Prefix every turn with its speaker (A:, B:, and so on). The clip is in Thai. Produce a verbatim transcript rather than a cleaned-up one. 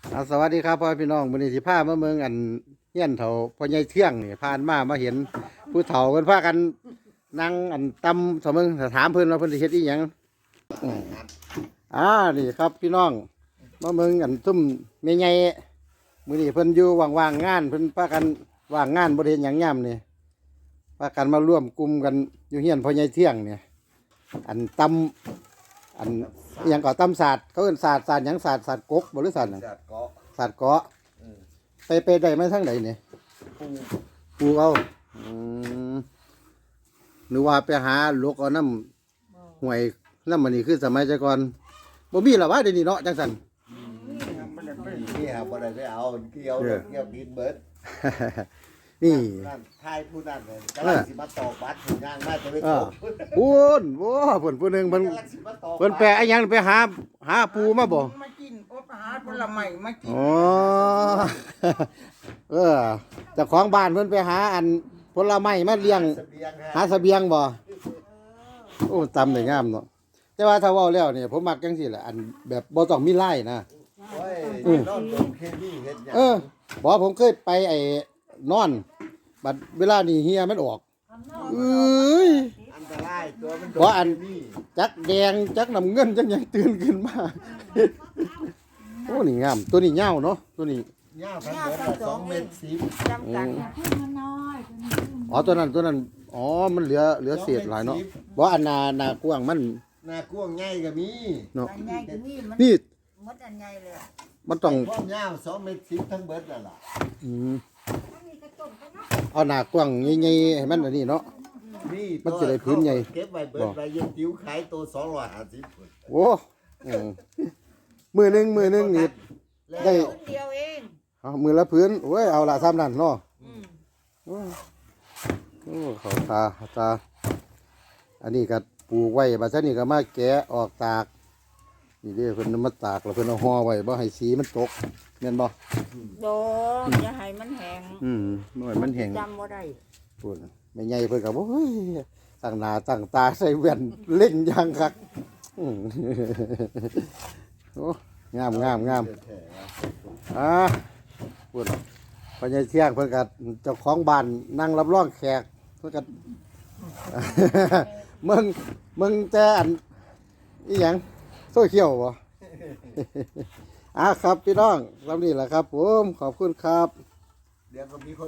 A: อ่าสวัสดีครับพ่อพี่น้องวันนี้สิพามาเมืองอันเฮียนเถาพ่อใหญ่เที่ยงนี่ผ่านมามาเห็นผู้เฒ่าเพิ่นพากันนั่งอันตำสมมึงถามเพิ่นว่าเพิ่นสิเฮ็ดอีหยังอืมอ่านี่ครับพี่น้องมาเมืองอันซุ่มแม่ใหญ่มื้อนี้เพิ่นอยู่ว่างๆงานเพิ่นพากันว่างงานบ่ได้เฮ็ดหยังยามนี่พากันมาร่วมกลุ่มกันอยู่เฮียนพ่อใหญ่เที่ยงเนี่ยอันตำอันอหยังก็ตำศาสตร์เขาเอิ้นศาสตร์ศาสตร์หยังศาสตร์ศาสตร์กกบ่หรือศาสตร์หยัง
B: จัดเกาะ
A: สัตว์เกาะไปไปได้มาทั้งไหนเนี่ย
B: ปู
A: ปูเอาอืมหรือว่าไปหาลูกเอาน้ำห่วยน้ำมันนี่คือสมัยแต่ก่อนบ่มีหรอวะเดี๋ยวนี้เนาะจังสัน
B: นี่ครับบ่ได้ไปเอาเกี่ยวเกี่ยวดินเบิด
A: นี่
B: นั่นทายผู้นั้นเลยกำลังสิมาตอกบัตรถึงย่างมาจะไป
A: เอ
B: ต
A: อ
B: อก
A: ปูนโว้เพิ่นผู้หนึงเพิ่น
B: กำลังสิมาตอก
A: เพิ่นแปลไอ้หยังไปหาหาปูมาบ่
C: มากินโอ๊ตหาผลไม้มากิน
A: อ๋อ เออเจ้าของบ้านเพิ่นไปหาอันผลไม้มาเลี้ยง
B: เสบียง
A: หา
B: ฮะ
A: เสบียงบ่โอ้ตำได้งามเนาะแต่ว่าถ้าเว้าแล้วเนี่ยผมมักจังซี่แหละอันแบบบ่ต้องมีไล่นะ
B: โอ้ยนอนโดนเคมีเฮ็ดหยัง
A: เออบอกผมเคยไปไอ้นอน บัดเวลานี่เฮียมันออกเอ้ย
B: อันตรายตัวมันโด
A: บ่อัน
B: เคมี
A: จักแดงจักน้ำเงินจักหยังตื่นขึ้นมา โอ้นี่งาม ตัวนี้ยาวเนาะตัวนี้
B: ยาวทั้งเบิดละสองเมตรสิบ
C: จำกัด
A: อ๋อตัวนั้นตัวนั้นอ๋อมันเหลือเหลือเศษหลายเนาะบ่อันนาหนากว้างมัน
B: หน้ากว้างใหญ่ก็มี
A: เนาะ
C: อันใหญ่ก็นี่มัน
A: นี่
C: มดอันใหญ่เลยอะ
A: มันต้อง
B: ความยาวสองเมตรสิบทั้งเบิดนั่นล่ะ
A: อืมเอาหนากว้างใหญ่ๆให้มันอันนี้เนาะ
B: นี่
A: มันจะได้พื้นใหญ่
B: เก็บไว้เบิดไว้ยังติ้วขายตัวสองร้อยห้าสิบพุ่น
A: โอ้อืมมือหนึงมือหนึงนี่
B: แล้ว
A: ได้
C: คนเดียวเอง
A: เอามือละพื้นโอ้ยเอาละซ้ำนั่นเนาะ
C: อืม
A: โอ้โอ้เขาตาตา อันนี้ก็ปลูกไว้บัดนี้ก็มาแกะออกตาก นี่เด้อเพิ่นเอามาตากแล้วเพิ่นเอาห่อไว้บ่ให้สีมันตกแม่นบ่
C: โดนอย่าให้มันแห้ง
A: อืมหน่อยมันแห้ง
C: จำบ่ได้
A: พูดแม่ใหญ่เพิ่นก็บ่เฮ้ยตั้งหน้าตั้งตาใส่แว่นเล่นอย่างคักอืม โอ้งามงามงามอ่าพูดพอใหญ่เที่ยงเพิ่นก็เจ้าของบ้านนั่งรับรองแขกเพิ่นก็ มึงมึงแต่อันอีหยังโซเชียลบ่ อ่ะครับพี่น้องลำนี้แหละครับผมขอบคุณครับ
B: เดี๋ยวก็มีคน